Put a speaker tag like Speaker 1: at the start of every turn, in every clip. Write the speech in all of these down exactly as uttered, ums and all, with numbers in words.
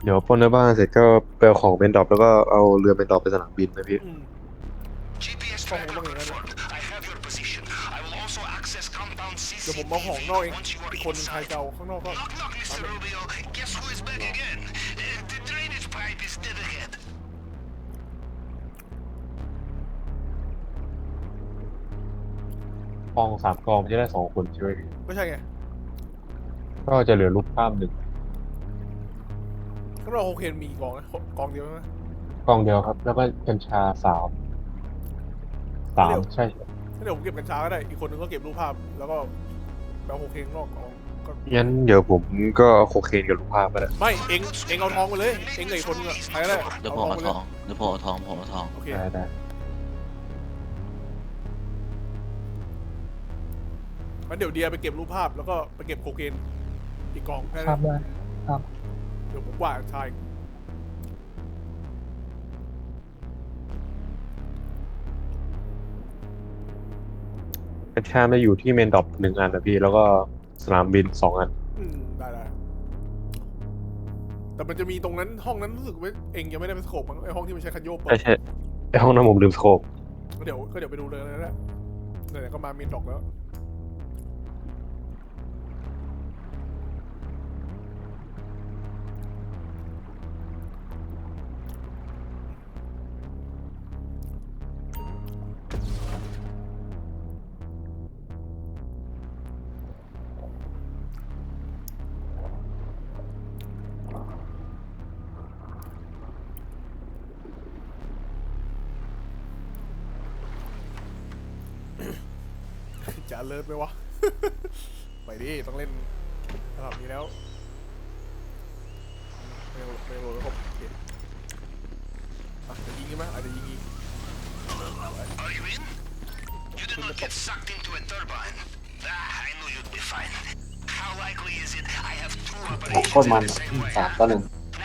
Speaker 1: เดี๋ยวปล้นในบ้านเสร็จก็ไปเอาของเป็นดรอปแล้วก็เอาเรือเป็นดรอปไปสนามบินนะพี่
Speaker 2: อืมก็คงต้องอย่างนั้นแหละเดี๋ยวผมเอาของนอกเองอีกคนหนึงใครจะเอาข้างนอกก็ตามเลย
Speaker 1: กองสามกองมันจะได้สองคนใช่ไหมพี่
Speaker 2: ก็ใช่ไง
Speaker 1: ก็จะเหลือลูกข้ามหนึ่ง
Speaker 2: ข้างนอกโอเคนมีกี่กองนะกองเดียวใช่ไหม
Speaker 1: กองเดียวครับแล้วก็กัญชาสามสาม
Speaker 2: ถ้าเดี๋ยว
Speaker 1: ใช่
Speaker 2: ถ้าเดี๋ยวผมเก็บกัญชาก็ได้อีกคนหนึงก็เก็บรูปภาพแล้วก็แบบโอเคนข้างนอกกองก็
Speaker 1: งั้นเดี๋ยวผมก็เอาโคเคนกับลูกภาพไปแหละ
Speaker 2: ไม่เอ็งเอ็งเอาทองไปเลยเอ็งกับอีกคนนึงอะใครก็ได้
Speaker 3: เดี๋ยว
Speaker 2: เอา
Speaker 3: ผมเอาท
Speaker 2: ทองไปเลย
Speaker 3: องเดี๋ยวผมเอาทองผมเอาทอง
Speaker 2: โอเค
Speaker 1: ได้ได้
Speaker 2: งั้นเดี๋ยวเดียไปเก็บรูปภาพแล้วก็ไปเก็บโคเคนอีกกองแค่
Speaker 4: ครั
Speaker 2: นั้น
Speaker 4: บได้ครับ
Speaker 2: เดี๋ยวผมว่ากัญชาอีก
Speaker 1: กัญชาไม่อยู่ที่เมนดรอปหนึ่งอันนะพี่แล้วก็สนามบินสองอัน
Speaker 2: อืมได้ได้แต่มันจะมีตรงนั้นห้องนั้นรู้สึกว่าเองยังไม่ได้ไปสโคปมั้งไอห้องที่มันใช้คันโยกเปิ
Speaker 1: ใช่
Speaker 2: ด
Speaker 1: ใช่ไอห้องน้ำผมลืมสโคป
Speaker 2: ก็เดี๋ยวก็เดี๋ยวไปดูเลยนะแหละไหนๆก็มามีนดอกแล้วจะเลิศไหมวะ ไปดิต้องเล่นระดับนี้แล้วไม่โหลดไม่โหลดแล้วก็โอเคอ่ะจะยิงใช่ไหมอาจจะยิงอีกขึ้นมาตบ
Speaker 5: โคตรมันสามต่อหนึ่ง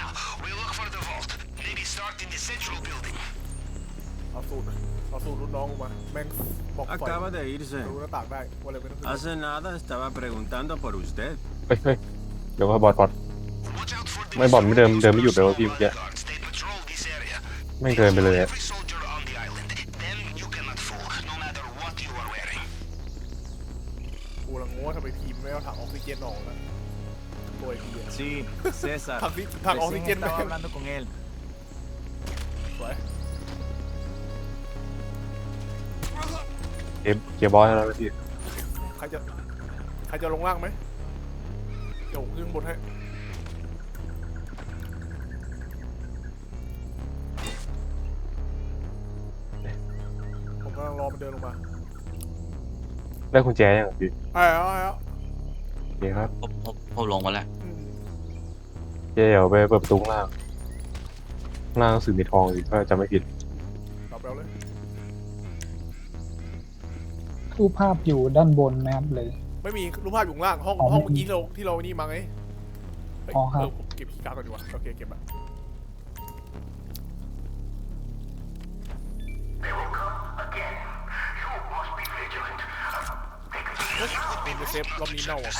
Speaker 2: เอาสูตรเอาสูตรรุ่นน้องออกมาแม่งบอกไฟ
Speaker 6: Acaba de irse.
Speaker 2: รู้หน้าต่างได้ว่าอะไรไม่ต้องขึ้น
Speaker 6: Hace nada estaba preguntando por usted.
Speaker 1: เฮ้ยเฮ้ยเดี๋ยวว่าบอดบอดไม่บอดไม่เดินเดินไม่หยุดเลยว่าพี่เมื่อกี้ไม่เดินไปเลยอะ
Speaker 2: กูลังงงว่าทำไมทีมไม่เอาถังออกซิเจนออกนะโดยทีอะ
Speaker 6: Sí, César.
Speaker 2: ถังที่ถังออกซิเจน
Speaker 6: Recién
Speaker 2: แม่
Speaker 6: estaba
Speaker 2: ง
Speaker 6: hablando con él.
Speaker 2: สวย
Speaker 1: เกมเกียร์บอสแล้วนะพี่
Speaker 2: ใครจะใครจะลงล่างไหมเดี๋ยวผมขึ้นบนให้ผมกำลังรอมันเดินลงมา
Speaker 1: ได้กุญแจยังพี่
Speaker 2: ไอ้เอาไอ้เอา
Speaker 1: โอเคครับ
Speaker 3: ผมผมผมลงมาแล้ว
Speaker 2: อืม
Speaker 1: เดี๋ยวไปเปิดประตูข้างล่างข้างล่างสื่อมีทองอีกถ้าจำไม่ผิด
Speaker 2: ตอบไปเอาเลย
Speaker 4: รูปภาพอยู่ด้านบนนะครับเลย
Speaker 2: ไม่มีรูปภาพอยู่ข้างล่างห้อง
Speaker 4: อ๋อ
Speaker 2: ห้อง
Speaker 4: ไม่
Speaker 2: เมื่อ
Speaker 4: มี
Speaker 2: กี้ที่เราที่เรานี่มาไงเฮ้ย
Speaker 4: อ๋อครับ
Speaker 2: เออผมเก็บคีย์การ์ดก่อนดีกว่าโอเคเก็บละเฮ้ยเป็นเซฟรอบนี้เน่าอ่ะ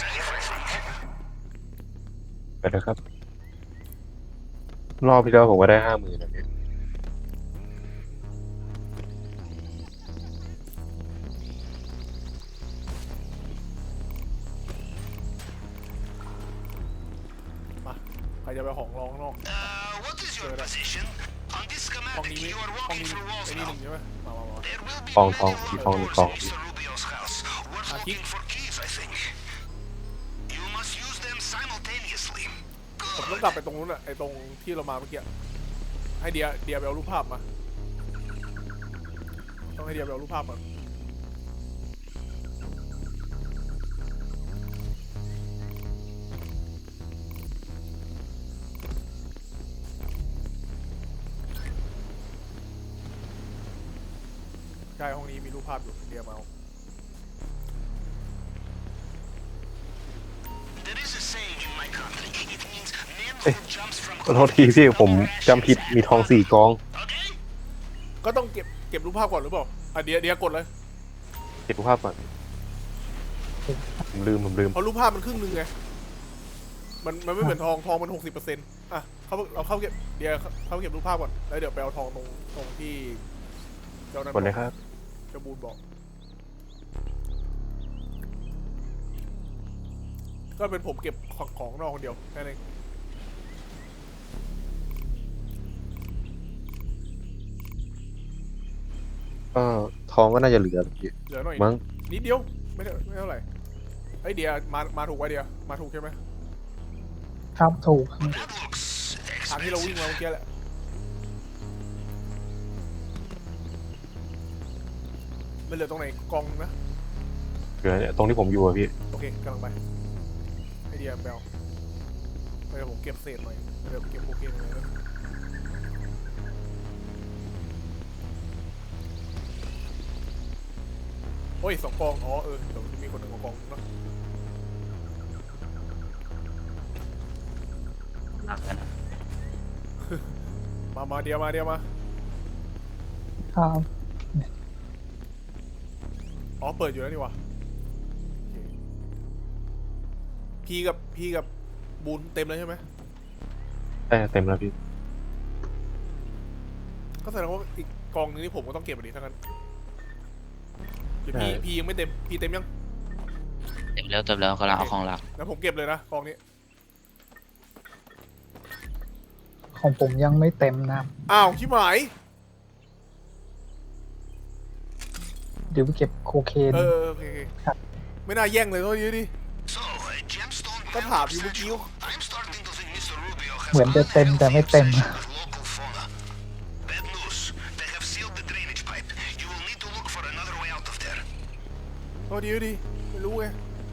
Speaker 1: ไปเลยครับรอบที่แล้วผมก็ได้ห้าหมื่นนะพี่
Speaker 2: มาใครจะไปของรองข้างนอกเจอแล้วห้องนี้ไม่ห้องนี้ไอ้นี่หนึ่งใช่ไหมมามามา
Speaker 1: ทองทองมีทองหนึ่งกองพี่
Speaker 2: อาคิกผมต้องกลับไปตรงนู้นอะไอ้ตรงที่เรามาเมื่อกี้ให้เดียเดียไปเอารูปภาพมาต้องให้เดียไปเอารูปภาพมาใช่ห้องนี้มีรูปภาพอยู่เดียมาเอา
Speaker 1: เอ้ยขอโทษทีพี่ผมจำผิดมีทองสี่กอง
Speaker 2: ก็ต้องเก็บเก็บรูปภาพก่อนหรือเปล่าอ่ะเดียเดียกดเลย
Speaker 1: เก็บรูปภาพก่อนผมลืมผมลืม
Speaker 2: เพราะรูปภาพมันครึ่งหนึงไงมันมันไม่เหมือนทองทองมันหกสิบเปอร์เซ็นต์อ่ะเขาเราเข้าเก็บเดี๋ยวเข้าเก็บรูปภาพก่อนแล้วเดี๋ยวไปเอาทองตรงตรงที่เจ้านั้น
Speaker 1: กดเลยครับ
Speaker 2: เจ้าบูนบอกก็เป็นผมเก็บของของนอกคนเดียวแค่นั้นเอง
Speaker 1: ก็ทองก็น่าจะเหลือพี่
Speaker 2: เหลือหน่อย
Speaker 1: มั้ง
Speaker 2: นิดเดียวไม่ได้ไม่เท่าไหร่ไอยเดียมามาถูกไว้เดียมาถูกใช่ไหม
Speaker 4: ครับถูก
Speaker 2: ทางที่เราวิ่งมาเมื่อกี้แหละมันเหลือตรงไหนกองนะ
Speaker 1: เหลือเนี่ยตรงที่ผมอยู่อะพี่
Speaker 2: โอเคกำลังไปไอเดียแบลเดี๋ยวผมเก็บเศษหน่อยเดี๋ยวเก็บโอเคหน่อยนะโอ้ยสองกองอ๋อเออเดี๋ยวมีคนหนึ่งเอากองเนาะ
Speaker 3: หนักกันนะ
Speaker 2: มามาเดียวมาเดียวมา
Speaker 4: ครับ
Speaker 2: อ๋อเปิดอยู่แล้วนี่วะพีกับพีกับบูนเต็มเลยใช่ไหม
Speaker 1: แต่เต็มแล้วพี่
Speaker 2: ก็แสดงว่าอีกกองนึงที่ผมก็ต้องเก็บอันนี้ทั้งนั้นเดี๋ยวพีพียังไม่เต็มพีเต็มยัง
Speaker 3: เต็มแล้วเต็มแล้วกำลังเอาของหลัก
Speaker 2: แล้วผมเก็บเลยนะกองนี้
Speaker 4: ของผมยังไม่เต็มนะครับ
Speaker 2: อ้าวชิบหาย
Speaker 4: เดี๋ยวไปเก็บโคเคน
Speaker 2: เออโอเคโอเคไม่น่าแย่งเลยเท่านี้ดิก็ถามอยู่เมื่อกี้
Speaker 4: เหมือนจะเต็มแต่ไม่เต็ม
Speaker 2: โอ้ดีดีไม่รู้ไง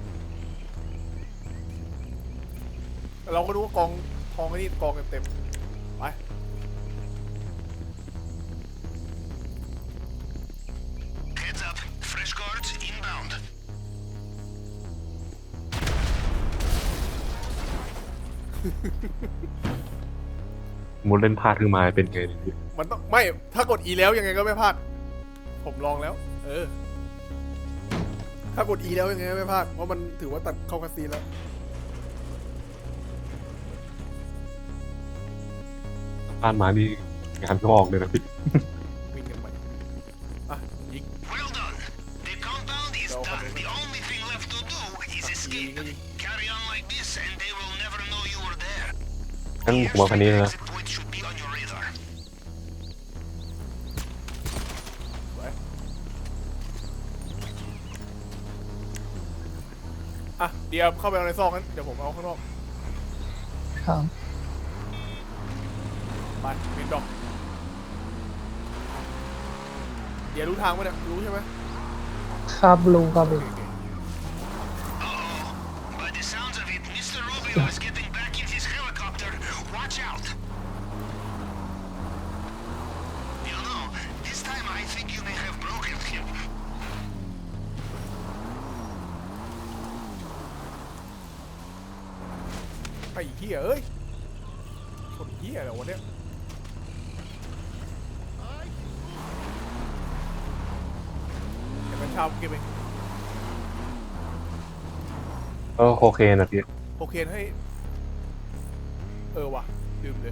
Speaker 2: แต่เราก็รู้ว่ากองทองไอ้นี่กองเต็มๆไป
Speaker 1: มุดเล่นพลาดขึ้นมาเป็นไงพี่
Speaker 2: มันต้องไม่ถ้ากด E แล้วยังไงก็ไม่พลาดผมลองแล้วเออถ้ากด E แล้วยังไงก็ไม่พลาดเพราะมันถือว่าตัดเข้าคาซีนแล้ว
Speaker 1: พลาดมานี่งานก็ออกเลยนะพี่
Speaker 2: วิ่งกันใหม่อ่ะยิงเราคนนี้ยิงก็ยิง
Speaker 1: งั้นผมเอาคันนี้เลยนะ
Speaker 2: อ่ะเดี๋ยวเข้าไปเอาในซอกนั้นเดี๋ยวผมเอาข้างนอก
Speaker 4: ครับ
Speaker 2: ไปเมนดอกเดี๋ยวรู้ทางไหมเนี่ยรู้ใช่ไหม
Speaker 4: ครับรู้ครับ
Speaker 2: โอ
Speaker 4: รู้
Speaker 2: เคโอเค ไอ้เหี้ยเอ้ยคนเหี้ยเหรอวะเนี่ยเดี๋ยวมันชาวเก็บเอง
Speaker 1: ก็โอเคนะพี่
Speaker 2: โอเคให้เออว่ะลืมเลย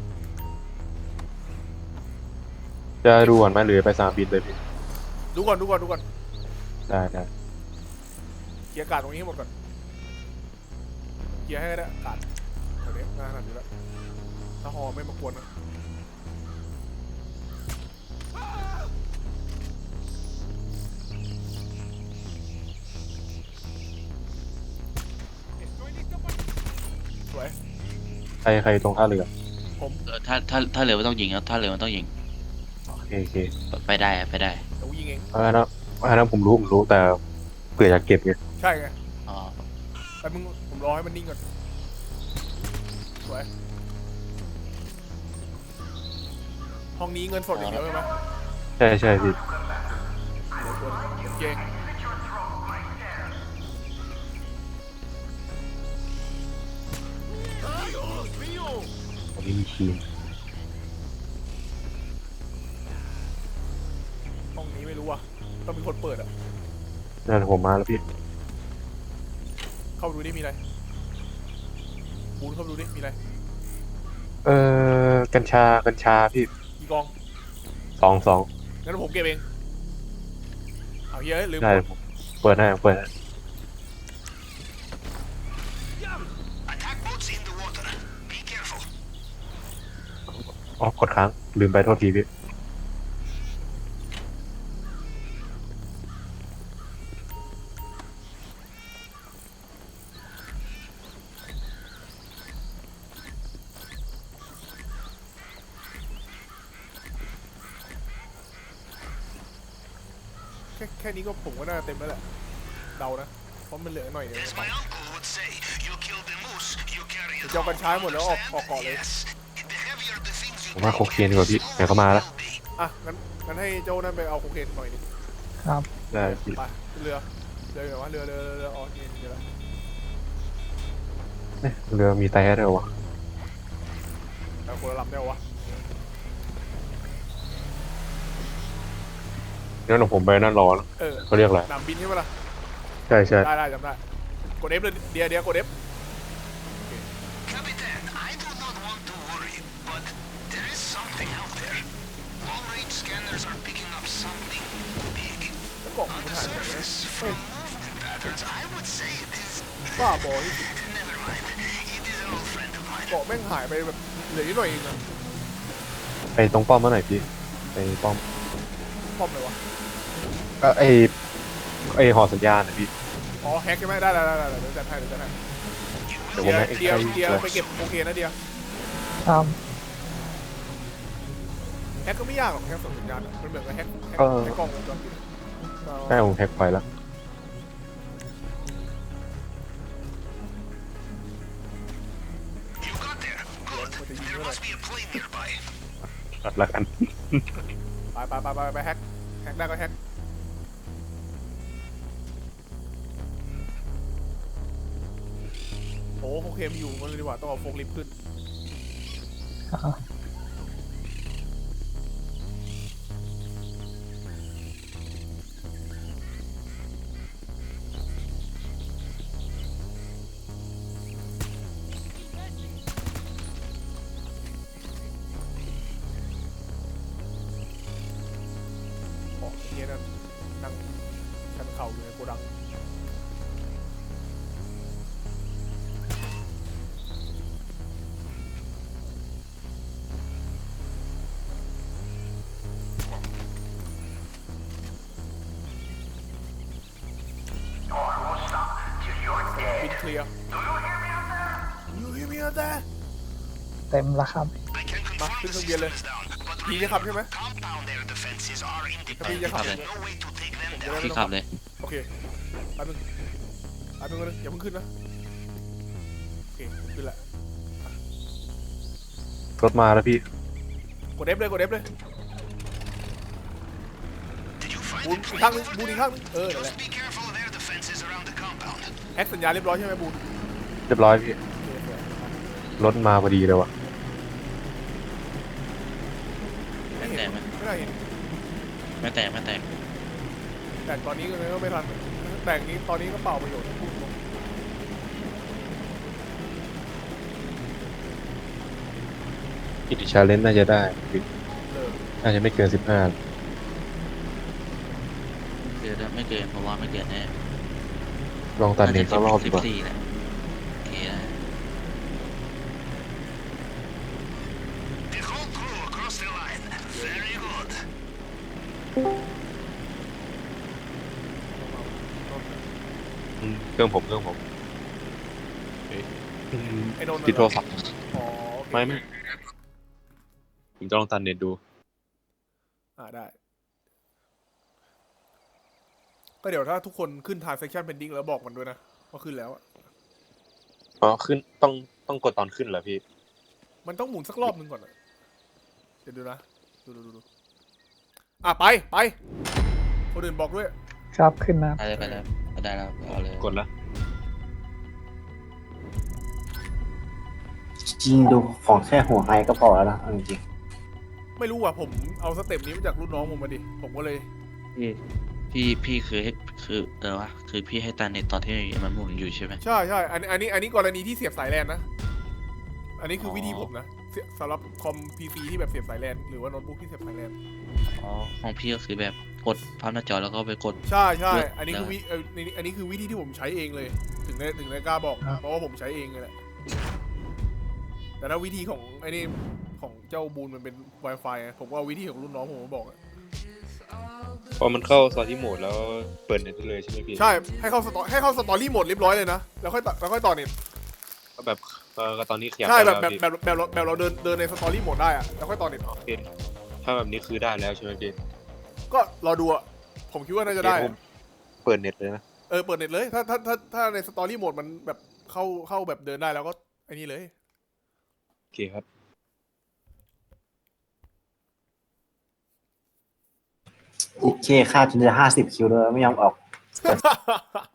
Speaker 1: จะดูก่อนไหมหรือไปสนามบินเลยพี่
Speaker 2: ดูก่อนดูก่อนดูก่อน
Speaker 1: ได้ได้
Speaker 2: เกียร์การ์ดตรงนี้ให้หมดก่อนเกียร์ให้ได้การ์ดแถวนี้น่าหนักอยู่แล้วถ้าฮอไม่มากวนนะสวย
Speaker 1: ใครใครตรงท่าเรือ
Speaker 3: เออถ้าถ้าถ้าเรือไม่ต้องยิงแล้วถ้าเรือมันต้องยิง
Speaker 1: โอเคโอเค
Speaker 3: ไปได้อะไปได้
Speaker 2: เดี๋ยวยิงเอง
Speaker 1: เพราะฉะนั้นเพราะฉะนั้นผมรู้ผมรู้แต่เผื่ออยากเก็บไง
Speaker 2: ใช่ไง
Speaker 3: อ๋อ
Speaker 2: แต่มึงผมรอให้มันนิ่งก่อนสวยห้องนี้เงินสดอย่างเดียวใช่ไหม
Speaker 1: ใช่ใช่พี่
Speaker 2: เดี๋ยวตัวนึงเก่ง
Speaker 1: อันนี้มีทีม
Speaker 2: ห้องนี้ไม่รู้ว่ะต้องมีคนเปิดอ่ะ
Speaker 1: นั่นผมมาแล้วพี่
Speaker 2: เข้าไปดูดิมีอะไรบูนเข้าไปดูดิมีอะไร
Speaker 1: เออกัญชากัญชาพี่
Speaker 2: กี่กอง
Speaker 1: สองสอง
Speaker 2: งั้นผมเก็บเองเอาเฮียเอ้ยลืม
Speaker 1: ได้ผมเปิดให้ผมเปิดให้อ๋อกดค้างลืมไปโทษทีพี่
Speaker 2: แค่แค่นี้ก็ผมก็น่าเต็มแล้วแหละเดานะเพราะมันเหลือหน่อยเดียวเดี๋ยวจะเอากัญชาให้หมดแล้วออกออกเกาะเลย
Speaker 1: ผมว่าโคเคนดีกว่าพี่ไหนก็มาแล้ว
Speaker 2: อ่ะงั้นงั้นให้เจ้านั่นไปเอาโคเคนหน่อยดิ
Speaker 4: ครับ
Speaker 1: ได้พี่
Speaker 2: ไปเรือเรืออยู่ไหนวะเรือเรือเรือเรืออ๋อนี่เรือละ
Speaker 1: เนี่ยเรือมีแต่ด้วยวะ
Speaker 2: แต่คนละลำได้วะ
Speaker 1: งั้นเดี๋ยวผมไปนั่นรอนะ
Speaker 2: เออ
Speaker 1: เขาเรียกอะไร
Speaker 2: หนามบินใช่ไหมล่ะ
Speaker 1: ใช่ใช่
Speaker 2: ได้ได้จำได้กด F เลยเดียวเดียวกด F
Speaker 7: Captain, I do not want to worry, but there is something out there. Long range scanners are picking up something big.
Speaker 2: แล้วกล่อง
Speaker 7: On
Speaker 2: มัน
Speaker 7: the
Speaker 2: หายไปไหน
Speaker 7: surface,
Speaker 2: เฮ้ย
Speaker 7: from movement patterns, I would say it is.
Speaker 2: บ้าบอที่สุด
Speaker 7: Never mind. It is an old friend of mine.
Speaker 2: เกาะแม่งหายไปแบบเหลือนิดหน่อยเองนะ
Speaker 1: ไปตรงป้อมมาหน่อยพี่ไปป้อม
Speaker 2: ป้อมเลยวะ
Speaker 1: ก็ไอไอหอสัญญาณนะพี่
Speaker 2: อ๋อแฮกใช่ไหมได้ได้ได้ได้เดี๋ยวจัดให้เดี๋ยวจัดให้
Speaker 1: เดี๋ยวผมให้
Speaker 2: เดียว
Speaker 1: ไอ้
Speaker 2: เดียว
Speaker 1: ไอ้
Speaker 2: ไปเก็บโอเคนะเดียว
Speaker 4: ครับ
Speaker 2: แฮกก็ไม่ยากหรอกแฮกส่งสัญญาณอะมันเหมือนกับแฮกแฮกแฮกกล้องวงจรปิด
Speaker 1: ใช่ผมแฮกไปแล้ว
Speaker 7: You got there.
Speaker 2: มันจะยิง
Speaker 7: There
Speaker 2: เมื่อไหร่
Speaker 7: must be a plane nearby.
Speaker 1: ตัดละกัน
Speaker 2: ไปไปไปไปไปแฮกแฮกได้ก็แฮกโอ้โอเคมนอยู่มันเลยดีกว่าต้องเอาโฟกลิฟต์ขึ้น
Speaker 4: อ่า
Speaker 2: ของเฮียนั่นนั่งชันเข่าอยู่ในโกดังบินเคลียร์ยูเฮียมีอะไร
Speaker 4: เต็มแล้วครับ
Speaker 7: I can
Speaker 2: มา
Speaker 7: confirm
Speaker 2: ขึ้น
Speaker 7: the
Speaker 2: เครื่องบินเลย
Speaker 7: systems down, but
Speaker 2: พี่จะขับใช่ไหม
Speaker 7: compound air defenses are
Speaker 2: ถ้าพี่
Speaker 7: independent.
Speaker 2: จะขับ
Speaker 7: There's no way to take them
Speaker 2: จะ
Speaker 7: down.
Speaker 2: ได้ไม่
Speaker 3: พี่
Speaker 2: ต้อง
Speaker 3: ขับเลย
Speaker 2: โอเคแป๊บนึงแป๊บนึงแป๊บนึงอย่าเพิ่งขึ้นนะโอเคขึ้นละ
Speaker 1: รถมาแล้วพี่
Speaker 2: กด F เลยกด F เลย
Speaker 7: Did you find
Speaker 2: บูน
Speaker 7: the
Speaker 2: อีก
Speaker 7: plane
Speaker 2: ข้างนึง
Speaker 7: over
Speaker 2: บูนอีก
Speaker 7: there?
Speaker 2: ข้างนึงเออนั่นแหละ
Speaker 7: Just be careful of air defenses around the compound.
Speaker 2: แอคสัญญาณเรียบร้อยใช่ไหมบูน
Speaker 1: เรียบร้อยพี่
Speaker 2: โอเคโอเค
Speaker 1: รถมาพอดีเลยวะ
Speaker 2: ไม่เห็นไม่ได้เห็น
Speaker 3: ไม่แตกไม่แตก
Speaker 2: แต่ตอนนี้ก็เลยไม่ทันแต่งนี้ตอนนี้ก็เปล่าประโยชน์พูดตรง
Speaker 1: อิติชาเลนน่าจะได้พี่
Speaker 2: เลิก
Speaker 1: น่าจะไม่เกินสิบห้า
Speaker 3: เกินไม่เกินเพราะว่าไม่เกินแน่
Speaker 1: ลองตัดเน็ตสักรอบดี
Speaker 3: สิบ
Speaker 1: กว่า
Speaker 3: สี่แหละโอเคได้
Speaker 7: The whole crew across the line. Very good.
Speaker 1: อืมเครื่องผมเครื่องผมเอ๊ะอืม
Speaker 2: ไอ้นนท์
Speaker 1: ติดโทรศัพท์
Speaker 2: อ๋อโอเค
Speaker 1: ไม่ไม่ผมจะลองตัดเน็ตดู
Speaker 2: อ่าได้ ก็เดี๋ยวถ้าทุกคนขึ้น transaction pending แล้วบอกมันด้วยนะว่าขึ้นแล้วอะ
Speaker 1: อ๋อขึ้นต้องต้องกดตอนขึ้นเหรอพี่
Speaker 2: มันต้องหมุนสักรอบหนึงก่อนอะเดี๋ยวดูนะดูดูดูดูอ่ะไปไปคนอื่นบอกด้วย
Speaker 4: ครับขึ้นนะ
Speaker 3: ไปเลยไปเลยไปได้แล้วเอาเลย
Speaker 1: กดแล้ว
Speaker 5: จริงดูของแค่หัวไฮก็พอแล้วนะเอาจริง
Speaker 2: ไม่รู้ว่ะผมเอาสเต็ปนี้มาจากรุ่นน้องผมมาดิผมก็เลย
Speaker 3: พี่พี่พี่คือให้คือเออวะคือพี่ให้ตันเน็ตตอนที่มันหมุนอยู่ใช่ไหม
Speaker 2: ใช่ใช่อันนี้อันนี้อันนี้กรณีที่เสียบสายแลนนะ อันนี้คือวิธีผมนะเสียสำหรับคอม พี ซี ที่แบบเสียบสายแลนหรือว่าโน้ตบุ๊กที่เสียบสายแลน
Speaker 1: อ๋อ
Speaker 3: ของพี่ก็คือแบบกดภาพหน้าจอแล้วก็ไปกด
Speaker 2: ใช่ใช่
Speaker 3: เลือก
Speaker 2: อันนี้คือวิเอ่ออันนี้อันนี้คือวิธีที่ผมใช้เองเลย ถึงได้ถึงได้กล้าบอก เพราะว่าผมใช้เองเลยแหละ แต่ถ้าวิธีของไอ้นี่ของเจ้าบูนมันเป็น Wi-Fi ไงผมว่าวิธีของรุ่นน้องผมมาบอกอะ
Speaker 8: พอมันเข้าสตอรี่โหมดแล้วเปิดเน็ตได้เลยใช่ไหมพี่
Speaker 2: ใช่ ให้เข้าสตอให้เข้าสตอรี่โหมดเรียบร้อยเลยนะ แล้วค่อยต่อแล้วค่อยต่อเน็ต
Speaker 8: ก็แบบเออก็ตอนนี้ขยับ
Speaker 2: ใช่
Speaker 8: ได้
Speaker 2: แบบ
Speaker 8: แล้ว
Speaker 2: แบบ
Speaker 8: พี่
Speaker 2: แบบแบบเราแบบเราเดินเดินในสตอรี่โหมดได้อะแล้วค่อยต่อเน็ต
Speaker 8: โอเคถ้าแบบนี้คือได้แล้วใช่ไหมพี่
Speaker 2: ก็รอดูอะผมคิดว่าน่าจะได้
Speaker 8: ผมเปิดเน็ตเลยนะ
Speaker 2: เออเปิดเน็ตเลย ถ้าถ้าถ้าถ้าในสตอรี่โหมดมันแบบเข้าเข้าแบบเดินได้แล้วก็ไอ้นี่เลย
Speaker 8: โอเคครับ
Speaker 5: อีกเคค่าจนจะห้าสิบคิวเลยไม่ยอมออก